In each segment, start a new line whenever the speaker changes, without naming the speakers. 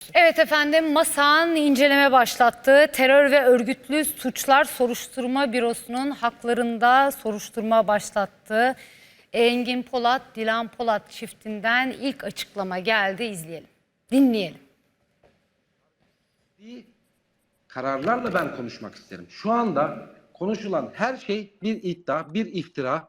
Evet efendim, MASA'nın inceleme başlattığı Terör ve Örgütlü Suçlar Soruşturma Bürosu'nun haklarında soruşturma başlattığı Engin Polat, Dilan Polat çiftinden ilk açıklama geldi. İzleyelim, dinleyelim.
Kararlarla ben konuşmak isterim. Şu anda konuşulan her şey bir iddia, bir iftira.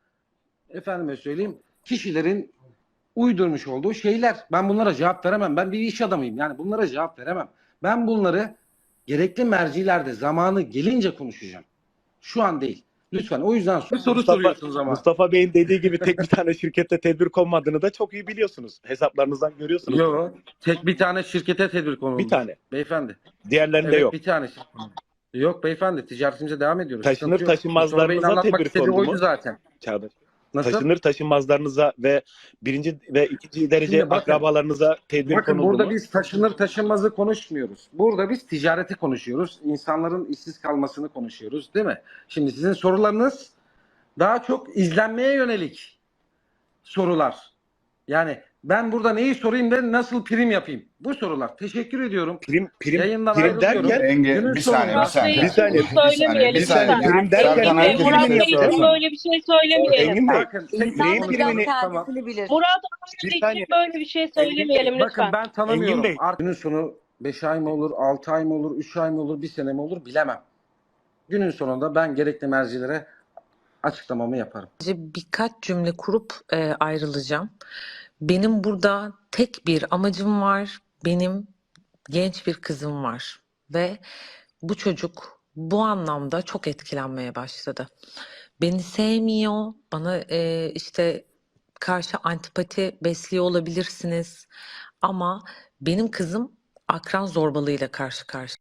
Efendime söyleyeyim, kişilerin uydurmuş olduğu şeyler. Ben bunlara cevap veremem. Ben bir iş adamıyım. Yani bunlara cevap veremem. Ben bunları gerekli mercilerde zamanı gelince konuşacağım. Şu an değil. Lütfen. O yüzden bir soru soruyorsunuz ama.
Mustafa Bey'in dediği gibi tek bir tane şirkette tedbir konmadığını da çok iyi biliyorsunuz. Hesaplarınızdan görüyorsunuz.
Yok. Tek bir tane şirkete tedbir konulmuş.
Bir tane.
Beyefendi.
Diğerlerinde
Evet,
yok.
bir tane şirket. Yok beyefendi. Ticaretimize devam ediyoruz.
Taşınır
Sıkıntı yok. Mustafa Bey'in
taşınmazlarınıza
anlatmak
tedbir
istediği
kondu
oydu
mu?
zaten.
Çağdaş.
Nasıl?
Taşınır taşınmazlarınıza ve birinci ve ikinci derece
Şimdi bakın,
akrabalarınıza tedbir
Bakın
konuldu
burada
mu?
biz taşınır taşınmazı konuşmuyoruz. Burada biz ticareti konuşuyoruz. İnsanların işsiz kalmasını konuşuyoruz, değil mi? Şimdi sizin sorularınız daha çok izlenmeye yönelik sorular. Yani ben burada neyi sorayım da nasıl prim yapayım? Bu sorular. Teşekkür ediyorum. Yayından
prim
ayrılıyorum.
derken
Günün
bir saniye,
sonunda-
bir saniye.
Bir saniye.
Bir saniye.
Prim derken
Serkan
neyin
herkes
primini
bir şey
Murat Bey için
yapıyorsun?
böyle bir şey söylemeyelim.
Engin Bey,
Bakın,
neyin primini?
Tamam.
Murat
Bir
Bey
saniye.
için böyle bir şey söylemeyelim
Bakın
lütfen.
ben tanımıyorum.
Engin Bey.
Günün sonu 5 ay mı olur, 6 ay mı olur, 3 ay mı olur, 1 sene mi olur bilemem. Günün sonunda ben gerekli mercilere açıklamamı yaparım.
Birkaç cümle kurup ayrılacağım. Benim burada tek bir amacım var. Benim genç bir kızım var ve bu çocuk bu anlamda çok etkilenmeye başladı. Beni sevmiyor, bana işte karşı antipati besliyor olabilirsiniz ama benim kızım akran zorbalığıyla karşı karşıya.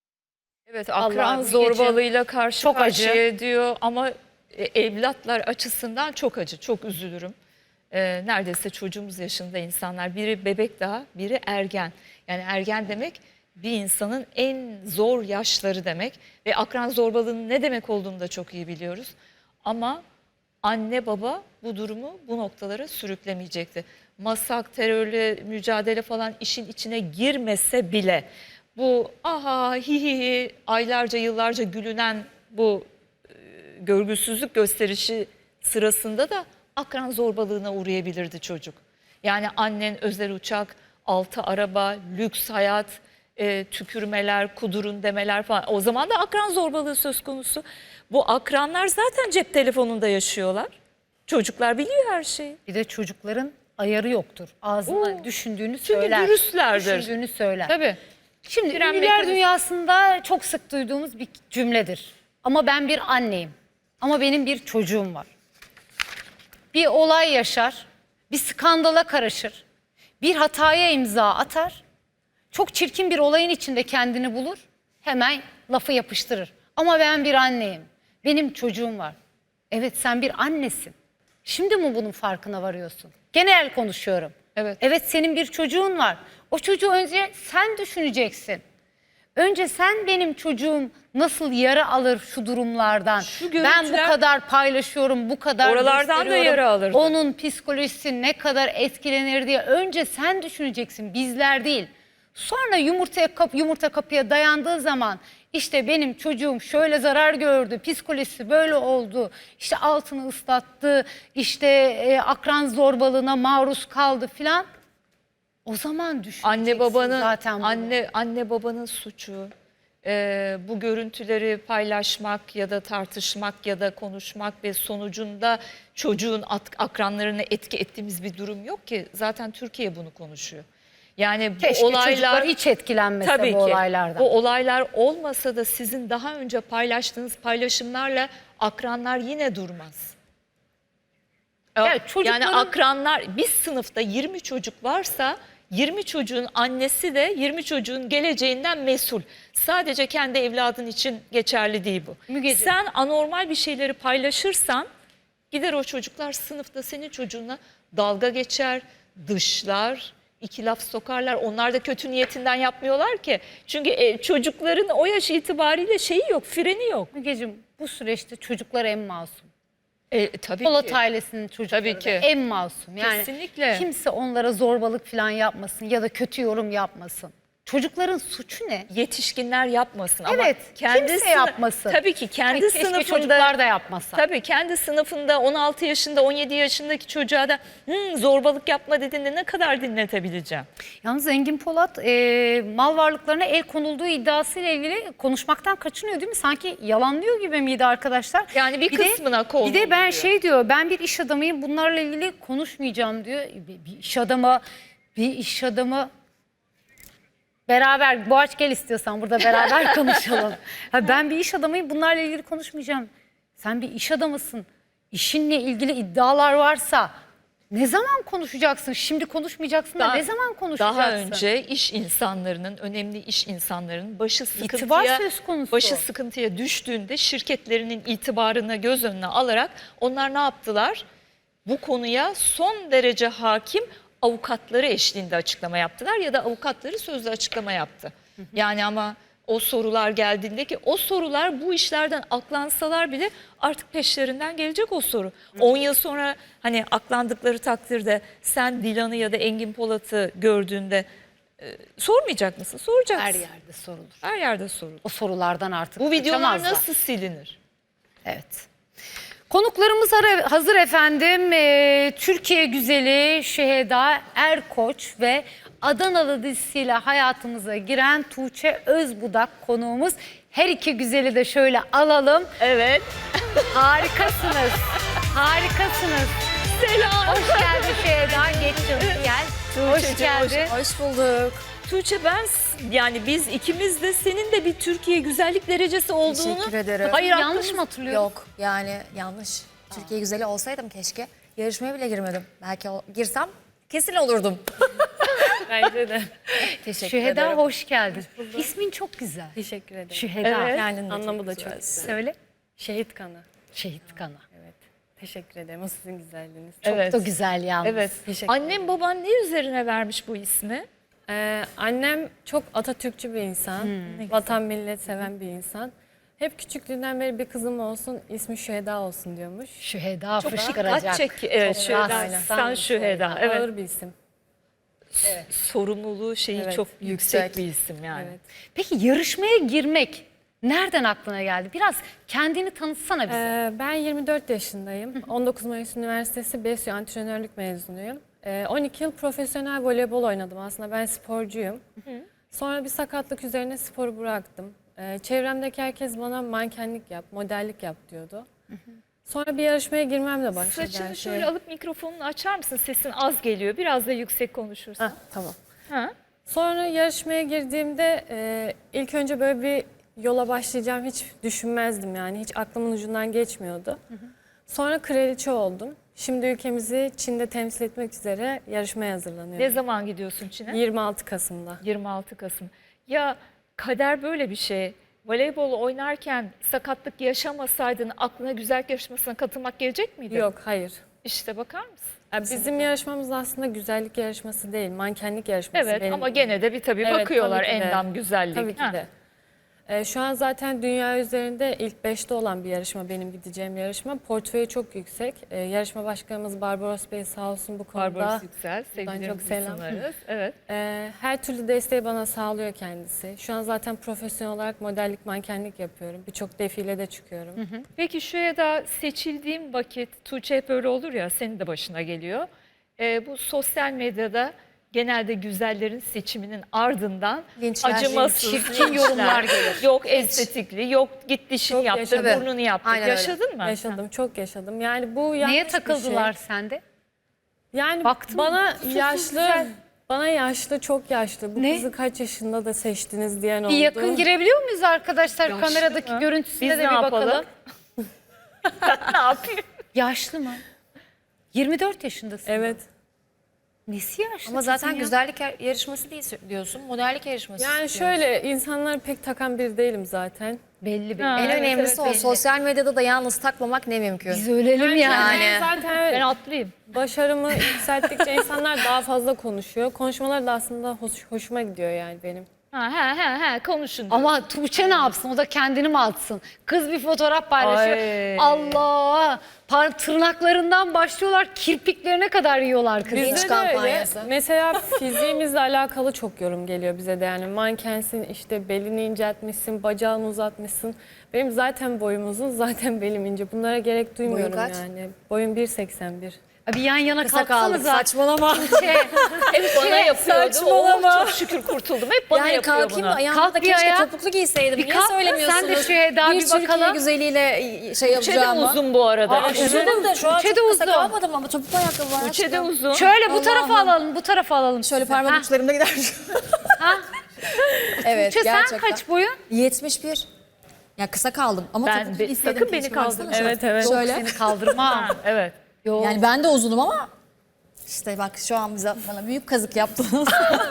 Evet,
Vallahi
akran
Mügeciğim,
zorbalığıyla karşı
çok
karşıya diyor ama evlatlar açısından çok acı, çok üzülürüm. Neredeyse çocuğumuz yaşında insanlar, biri bebek daha, biri ergen. Yani ergen demek bir insanın en zor yaşları demek ve akran zorbalığının ne demek olduğunu da çok iyi biliyoruz. Ama anne baba bu durumu bu noktalara sürüklemeyecekti. MASAK, terörle mücadele falan işin içine girmese bile bu aha hi hi hi aylarca yıllarca gülünen bu görgüsüzlük gösterişi sırasında da akran zorbalığına uğrayabilirdi çocuk. Yani annen özel uçak, 6 araba, lüks hayat, tükürmeler, kudurun demeler falan. O zaman da akran zorbalığı söz konusu. Bu akranlar zaten cep telefonunda yaşıyorlar. Çocuklar biliyor her şeyi.
Bir de çocukların ayarı yoktur. Ağzına düşündüğünü
Çünkü
söyler.
dürüstlerdir.
Düşündüğünü söyler.
Tabii.
Şimdi
Fren
ünlüler
mekanizması.
dünyasında çok sık duyduğumuz bir cümledir. Ama ben bir anneyim. Ama benim bir çocuğum var. Bir olay yaşar, bir skandala karışır, bir hataya imza atar. Çok çirkin bir olayın içinde kendini bulur, hemen lafı yapıştırır. Ama ben bir anneyim, benim çocuğum var. Evet, sen bir annesin. Şimdi mi bunun farkına varıyorsun? Genel konuşuyorum.
Evet.
Evet, senin bir çocuğun var. O çocuğu önce sen düşüneceksin. Önce sen benim çocuğum nasıl yara alır şu durumlardan.
Şu
Ben bu
görüntüler-
kadar paylaşıyorum, bu kadar
Oralardan da
gösteriyorum.
yara alırdı.
Onun psikolojisi ne kadar etkilenir diye önce sen düşüneceksin, bizler değil. Sonra yumurta kapıya dayandığı zaman işte benim çocuğum şöyle zarar gördü, psikolojisi böyle oldu, işte altını ıslattı, işte akran zorbalığına maruz kaldı filan. O zaman düşüneceksin
Anne babanın
zaten bunu.
anne babanın suçu. Bu görüntüleri paylaşmak ya da tartışmak ya da konuşmak ve sonucunda çocuğun akranlarını etki ettiğimiz bir durum yok ki. Zaten Türkiye bunu konuşuyor. Yani bu
Keşke
olaylar
çocuklar hiç etkilenmese
tabii
bu
ki,
olaylardan.
bu olaylar olmasa da sizin daha önce paylaştığınız paylaşımlarla akranlar yine durmaz.
Evet, çocukların-
Yani akranlar, bir sınıfta 20 çocuk varsa 20 çocuğun annesi de 20 çocuğun geleceğinden mesul. Sadece kendi evladın için geçerli değil bu.
Mügeciğim.
Sen anormal bir şeyleri paylaşırsan gider o çocuklar sınıfta senin çocuğuna dalga geçer, dışlar, iki laf sokarlar. Onlar da kötü niyetinden yapmıyorlar ki. Çünkü çocukların o yaş itibariyle şeyi yok, freni yok.
Mügeciğim, bu süreçte çocuklar en masum.
Tabii
Polat
ki.
ailesinin çocukları
Tabii
da
ki.
en masum. Yani
Kesinlikle.
kimse onlara zorbalık falan yapmasın ya da kötü yorum yapmasın. Çocukların suçu ne?
Yetişkinler yapmasın ama
Evet,
kendi
kimse yapmasın.
Tabii ki kendi
Keşke
sınıfında
çocuklar da yapmasa.
Tabii kendi sınıfında 16 yaşında 17 yaşındaki çocuğa da zorbalık yapma dediğinde ne kadar dinletebileceğim?
Yalnız Engin Polat mal varlıklarına el konulduğu iddiasıyla ilgili konuşmaktan kaçınıyor değil mi? Sanki yalanlıyor gibi miydi arkadaşlar?
Yani bir kısmına
Bir de ben
konuluyor.
şey diyor, ben bir iş adamıyım, bunlarla ilgili konuşmayacağım diyor. Bir iş adamı beraber, Boğaç gel istiyorsan burada beraber konuşalım. Ha, ben bir iş adamıyım, bunlarla ilgili konuşmayacağım. Sen bir iş adamısın. İşinle ilgili iddialar varsa ne zaman konuşacaksın? Şimdi konuşmayacaksın da ne zaman konuşacaksın?
Daha önce iş insanlarının, önemli iş insanlarının
İtibar söz konusu.
başı sıkıntıya düştüğünde şirketlerinin itibarını göz önüne alarak onlar ne yaptılar? Bu konuya son derece hakim avukatları eşliğinde açıklama yaptılar ya da avukatları sözlü açıklama yaptı. Yani ama o sorular geldiğinde ki o sorular bu işlerden aklansalar bile artık peşlerinden gelecek o soru. 10 yıl sonra hani aklandıkları takdirde sen Dilan'ı ya da Engin Polat'ı gördüğünde sormayacak mısın? Soracaksın.
Her yerde sorulur.
Her yerde sorulur.
O sorulardan artık
Bu videolar
kaçamazlar.
nasıl silinir?
Evet. Konuklarımız hazır efendim. Türkiye güzeli Şeheda Erkoç ve Adanalı dizisiyle hayatımıza giren Tuğçe Özbudak konuğumuz. Her iki güzeli de şöyle alalım.
Evet.
Harikasınız. Harikasınız.
Selam.
Hoş geldin Şeheda. Geç canım gel. Hoş
Tuğçe'cim,
geldin.
Hoş bulduk.
Tuğçe yani biz ikimiz de senin de bir Türkiye güzellik derecesi olduğunu...
Teşekkür ederim.
Hayır
Yanlış mı hatırlıyorum?
Yok yani yanlış. Türkiye güzeli olsaydım keşke. Yarışmaya bile girmedim. Belki girsem kesin olurdum.
Bence de.
Teşekkür
Şeheda
ederim.
hoş geldin. İsmin çok güzel.
Teşekkür ederim.
Şeheda.
Evet.
Kendin de
Anlamı
çok
da çok
güzel.
güzel.
Söyle.
Şehit kanı.
Şehit kanı.
Evet. Teşekkür ederim. O sizin güzelliğiniz.
Çok
Evet.
da güzel yalnız.
Evet.
Teşekkür
Annem baban ne üzerine vermiş bu ismi?
Annem çok Atatürkçü bir insan. Vatan millet seven bir insan. Hep küçüklüğünden beri bir kızım olsun, ismi Şüheda olsun diyormuş.
Şüheda
Çok
fışkıracak.
dikkat çek. Evet,
Çok
Şüheda.
rahatsız.
Sen Şüheda. Evet.
Ağır bir isim.
Sorumluluğu şeyi
Evet,
çok yüksek
yüksek.
bir isim yani.
Evet.
Peki yarışmaya girmek nereden aklına geldi? Biraz kendini tanıtsana bize.
Ben 24 yaşındayım. 19 Mayıs Üniversitesi BESÜ antrenörlük mezunuyum. 12 yıl profesyonel voleybol oynadım. Aslında ben sporcuyum. Sonra bir sakatlık üzerine sporu bıraktım. Çevremdeki herkes bana mankenlik yap, modellik yap diyordu. Sonra bir yarışmaya girmemle başladı her
Saçını
şey.
şöyle alıp mikrofonunu açar mısın? Sesin az geliyor. Biraz da yüksek konuşursan.
Tamam.
Ha?
Sonra yarışmaya girdiğimde ilk önce böyle bir yola başlayacağım hiç düşünmezdim yani. Hiç aklımın ucundan geçmiyordu. Sonra kraliçe oldum. Şimdi ülkemizi Çin'de temsil etmek üzere yarışmaya hazırlanıyorum.
Ne zaman gidiyorsun Çin'e?
26 Kasım'da.
26 Kasım. Ya kader böyle bir şey. Voleybol oynarken sakatlık yaşamasaydın aklına güzellik yarışmasına katılmak gelecek miydi?
Yok, hayır.
İşte bakar mısın?
Ya bizim yarışmamız aslında güzellik yarışması değil, mankenlik yarışması.
Evet
benim.
ama gene de bir tabii
Evet,
bakıyorlar
tabii ki de.
endam güzellik.
Tabii ki
Ha.
de. Şu an zaten dünya üzerinde ilk 5'te olan bir yarışma, benim gideceğim yarışma. Portföyü çok yüksek. Yarışma başkanımız Barbaros Bey sağ olsun bu konuda.
Barbaros Yüksel,
Buradan çok
sevgilerimizi
selam.
sunarız. Evet.
Her türlü desteği bana sağlıyor kendisi. Şu an zaten profesyonel olarak modellik, mankenlik yapıyorum. Birçok defilede çıkıyorum.
Peki şuraya da seçildiğim vakit, Tuğçe hep öyle olur ya, senin de başına geliyor. Bu sosyal medyada genelde güzellerin seçiminin ardından
Linçler,
acımasız
çirkin yorumlar gelir.
Yok estetikli, yok git dişini
Çok
yaptır,
yaşadım.
burnunu yaptır.
Aynen öyle.
Yaşadın mı?
Yaşadım, çok yaşadım. Yani bu yanlış
Neye
bir
takıldılar
şey.
sende?
Yani
Baktın mı?
bana
Susuz
yaşlı,
güzel.
bana yaşlı, çok yaşlı. Bu
Ne?
kızı kaç yaşında da seçtiniz diyen oldu.
Bir yakın girebiliyor muyuz arkadaşlar?
Yaşlı
Kameradaki
mı?
görüntüsüne
Biz
de
ne
bir
yapalım?
bakalım.
Ne yapayım?
Yaşlı mı? 24 yaşındasın.
Evet.
Nesi yaşlı?
Ama zaten
kızın ya?
güzellik yarışması değil diyorsun. Modellik yarışması.
Yani
diyorsun.
şöyle insanları pek takan biri değilim zaten.
Belli belli.
Ha.
En
Evet,
önemlisi o.
belli.
Sosyal medyada da yalnız takmamak ne mümkün.
Biz ölelim yani.
Yani.
Zaten
Ben atlayayım.
başarımı yükselttikçe insanlar daha fazla konuşuyor. Konuşmaları da aslında hoşuma gidiyor yani benim.
Konuşun.
Ama Tuğçe ne yapsın? O da kendini mi atsın? Kız bir fotoğraf paylaşıyor.
Ay.
Allah! Tırnaklarından başlıyorlar, kirpiklerine kadar yiyorlar kızı.
Linç
Bizde de öyle.
kampanyası.
Mesela fiziğimizle alakalı çok yorum geliyor bize de. Yani mankensin, işte belini inceltmişsin, bacağını uzatmışsın. Benim zaten boyum uzun, zaten belim ince. Bunlara gerek duymuyorum
kaç?
yani. Boyum 1.81.
Bir yan yana
Kısa kaldık.
kalksanıza.
Saçmalama.
Hep bana yapıyordu.
saçmalama.
Çok şükür kurtuldum. Hep bana
Yani
yapıyor
kalkayım
bunu.
da ayağımda
Kalk
da
bir
keşke
ayağa.
topuklu giyseydim.
Bir
Niye
kalk,
söylemiyorsunuz?
sen de şu Eda bir
Türkiye
bakalım.
güzeliyle
Tuğçe de
yapacağımı.
uzun bu arada.
Uzunum da şu an
Tuğçe
çok
de
kısa
uzun.
kalmadım ama topuklu ayakkabı var.
Tuğçe de
aşkım.
uzun.
Şöyle bu tarafa
Allah'ım.
alalım, bu tarafa alalım.
Şöyle
sizi.
parmak
Ha,
uçlarımda gider.
ha.
Evet
Tuğçe sen
gerçekten.
kaç boyun?
71. Ya kısa kaldım ama
Ben
topuklu
de-
istedim.
sakın beni
keşke, baksana
kaldırma.
şöyle.
Evet.
Şöyle.
Seni kaldırma.
Evet.
Yok.
Yani ben de uzunum ama işte bak şu an bana büyük kazık yaptınız.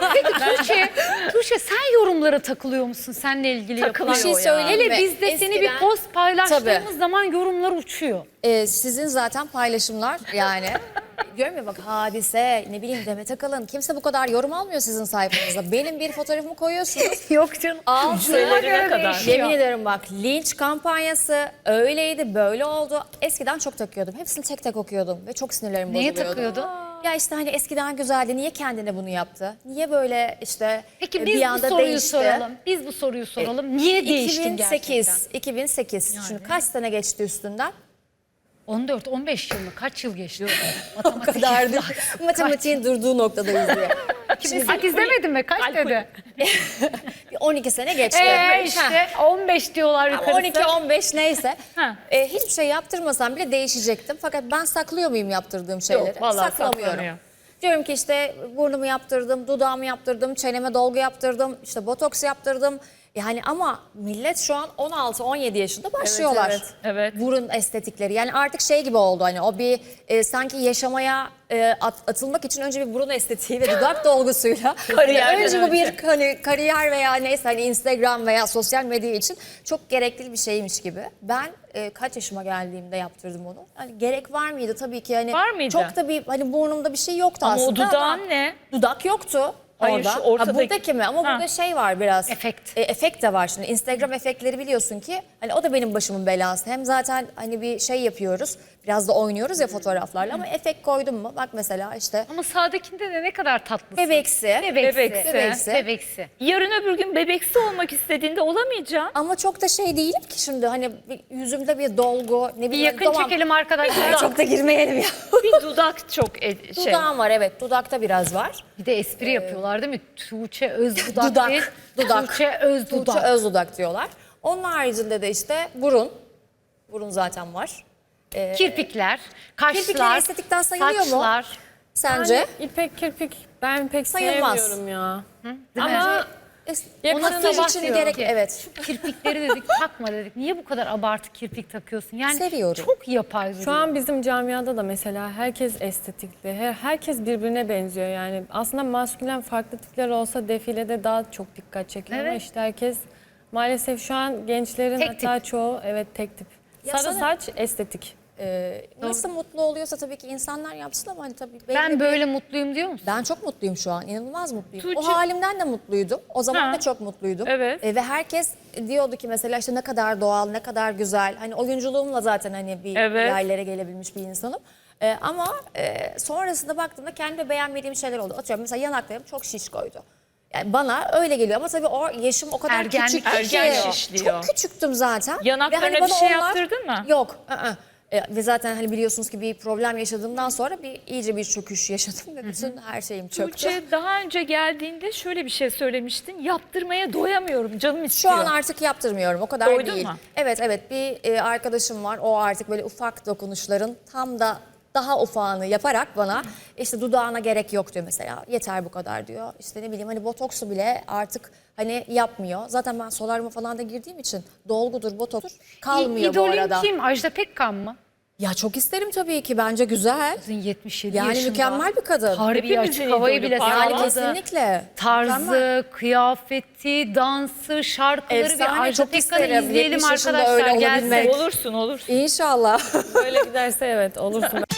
Tuğçe sen yorumlara takılıyor musun? Seninle ilgili
Takılıyor
yapılan.
Bir şey söyleyeyim
Hele
mi?
biz de seni bir
Eskiden-
post paylaştığımız
Tabii.
zaman yorumlar uçuyor.
Sizin zaten paylaşımlar yani diyorum ya bak Hadise ne bileyim Demet Akalın kimse bu kadar yorum almıyor sizin sayfanızda. Benim bir fotoğrafımı koyuyorsunuz.
Yok canım.
Cümlelerine kadar.
Yemin ederim bak linç kampanyası öyleydi böyle oldu. Eskiden çok takıyordum. Hepsini tek tek okuyordum ve çok sinirlerim
Neye
bozuluyordu.
takıyordun?
Ya işte hani eskiden güzeldi. Niye kendine bunu yaptı? Niye böyle işte
Peki biz
bir
bu
anda
soruyu
değişti?
soralım. Biz bu soruyu soralım. Niye değiştin gerçekten?
2008. Şimdi kaç sene geçti üstünden?
14-15 yıl mı? Kaç yıl geçti?
O kadar değil. Matematiğin durduğu noktadayız diye.
2008 demedin mi? Kaç dedi?
Bir 12 sene geçti.
İşte 15 diyorlar yukarısı.
12-15 neyse.
Ha.
Hiçbir şey yaptırmasam bile değişecektim. Fakat ben saklıyor muyum yaptırdığım şeyleri?
Yok, vallahi
Saklamıyorum.
saklanıyor.
Diyorum ki işte burnumu yaptırdım, dudağımı yaptırdım, çeneme dolgu yaptırdım, işte botoks yaptırdım. Yani ama millet şu an 16-17 yaşında başlıyorlar.
Evet.
Burun estetikleri. Yani artık şey gibi oldu hani o bir sanki yaşamaya atılmak için önce bir burun estetiği ve dudak dolgusuyla
Kariyerden
önce bu bir
önce.
hani kariyer veya neyse hani Instagram veya sosyal medya için çok gerekli bir şeymiş gibi. Ben kaç yaşıma geldiğimde yaptırdım onu. Hani gerek var mıydı tabii ki hani
Var mıydı?
çok da bir hani burnumda bir şey yoktu
Ama o
aslında.
dudağın ne?
Dudak yoktu.
Hayır,
orada.
şu ortadaki-
Buradaki mi? Ama
Ha.
burada şey var biraz.
Efekt.
Efekt de var şimdi. Instagram efektleri biliyorsun ki hani o da benim başımın belası. Hem zaten hani bir şey yapıyoruz. Biraz da oynuyoruz ya fotoğraflarla ama efekt koydum mu? Bak mesela işte
Ama sağdakinde de ne kadar tatlısın.
bebeksi.
Bebeksi.
Bebeksi.
Yarın öbür gün bebeksi olmak istediğinde olamayacaksın.
Ama çok da şey değilim ki şimdi hani yüzümde bir dolgu ne
Bir
bileyim.
yakın
tamam.
çekelim arkadaşlar.
Çok da girmeyelim ya.
Bir dudak çok şey.
Dudağım var evet. Dudakta biraz var.
Bir de espri yapıyorlar değil mi? Tuğçe öz dudak
Dudak,
değil.
dudak.
Tuğçe öz dudak.
Tuğçe öz dudak diyorlar. Onun haricinde de işte burun. Burun zaten var.
Kirpikler, kaşlar,
Kirpikler estetikten sayılıyor mu?
saçlar.
Sence?
Yani ipek kirpik ben pek
Sayılmaz.
sevmiyorum ya.
Değil mi?
Ama
Ona
Makyaj
sabah
için
dedik
gerek
ki,
evet.
kirpikleri dedik takma dedik. Niye bu kadar abartı kirpik takıyorsun? Yani
Seviyorum.
çok yapay duruyor.
şu an bizim camiada da mesela herkes estetikli. Herkes birbirine benziyor yani. Aslında maskülen farklı tipler olsa defilede daha çok dikkat çekiyor ama
Evet.
işte herkes maalesef şu an gençlerin
Tek
hatta çoğu evet tek tip.
Ya
Sarı
sana-
saç estetik.
Nasıl mutlu oluyorsa tabii ki insanlar yapsın ama hani tabii belli
Ben
bir-
böyle mutluyum diyor musun?
Ben çok mutluyum şu an. İnanılmaz mutluyum. O
Tuğçe-
halimden de mutluydum. O zaman
Ha.
da çok mutluydum.
Evet.
Ve herkes diyordu ki mesela işte ne kadar doğal, ne kadar güzel. Hani oyunculuğumla zaten hani bir
Evet.
yerlere gelebilmiş bir insanım. Ama sonrasında baktığımda kendi beğenmediğim şeyler oldu. Atıyorum mesela yanaklarım çok şişkoydu. Yani bana öyle geliyor ama tabii o yaşım o kadar
Ergenlik,
küçüktü ki.
ergen şişliyor.
Çok küçüktüm zaten.
Yanaklarına
Ve hani
bir
bana
şey yaptırdın mı?
Yok. Ve zaten hani biliyorsunuz ki bir problem yaşadığımdan sonra iyice bir çöküş yaşadım ve bütün her şeyim çöktü.
Tuğçe daha önce geldiğinde şöyle bir şey söylemiştin. Yaptırmaya doyamıyorum, canım
Şu
istiyor.
an artık yaptırmıyorum. O kadar
Doydun
değil.
mu?
Evet bir arkadaşım var. O artık böyle ufak dokunuşların tam da daha ufağını yaparak bana işte dudağına gerek yok diyor mesela. Yeter bu kadar diyor. İşte ne bileyim hani botoksu bile artık hani yapmıyor. Zaten ben solaryuma falan da girdiğim için dolgudur, botokstur kalmıyor bu
İdolün
arada.
kim? Ajda Pekkan mı?
Ya çok isterim tabii ki. Bence güzel.
Kızın 77
Yani
yaşında.
mükemmel bir kadın.
Harbi
Hepimizin
açık havayı
idolü,
bile
parladı.
Yani
sağladı.
kesinlikle.
Tarzı,
Mükemmel.
kıyafeti, dansı, şarkıları
Efsane,
bir Ajda
çok
Pekkan'ı
isterim.
izleyelim
70 yaşında
arkadaşlar.
öyle
Gelsin.
olabilmek.
Olursun.
İnşallah.
Böyle giderse evet olursun.